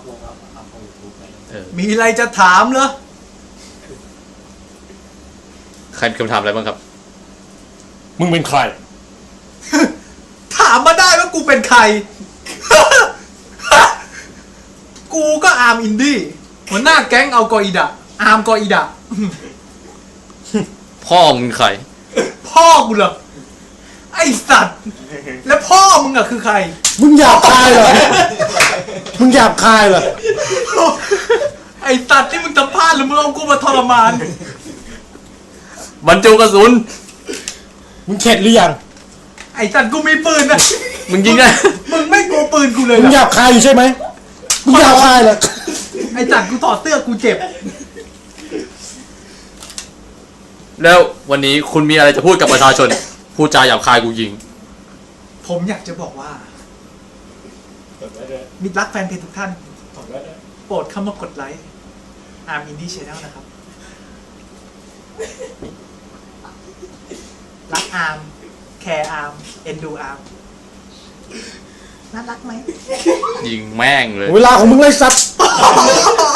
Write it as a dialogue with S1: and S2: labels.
S1: มีอะไรจะถามเหรอ
S2: ใครมีคำถามอะไรบ้างครับ
S3: มึงเป็นใคร
S1: ถามมาได้ว่ากูเป็นใคร กูก็อาร์มอินดี้หัวหน้าแก๊งเอากออิดะอาร์มกออิดะ
S2: พ่อมึงเป็นใคร
S1: พ่อกูเหรอไอสัตว์ แล้วพ่อมึงอะคือใคร
S3: มึงหยาบคายเหรอ มึงหยาบคายเหรอ
S1: ไอสัตว์ที่มึงจะพลาดหรือมึงเอากูมาทรมาน
S2: บรรจุกระสุน
S3: มึงเข็ดหรือยัง
S1: ไอสัตว์กูมีปืนนะ
S2: มึงยิงได้
S1: มึงไม่กลัวปืนกูเลย
S3: มึง
S1: เห
S3: ห
S1: ร
S3: ยา
S1: อบ
S3: คายอยู่ใช่ไหมมึงหยาบคายเหรอ
S1: ไอสัตว์กูถอดเสื้อกูเจ็บ
S2: แล้ววันนี้คุณมีอะไรจะพูดกับประชาชน พูดจาหยาบคายกูยิง
S1: ผมอยากจะบอกว่า มิตรรักแฟนเพจทุกท่าน โปรดเข้ามากดไลค์อาร์มอินดี้ชแนลนะครับ รักอาร์มแคร์อาร์มเอ็นดูอาร์มน่ารักไหม
S2: ยิงแม่งเลย
S3: เวลาของมึงเลยสัตว์
S1: โ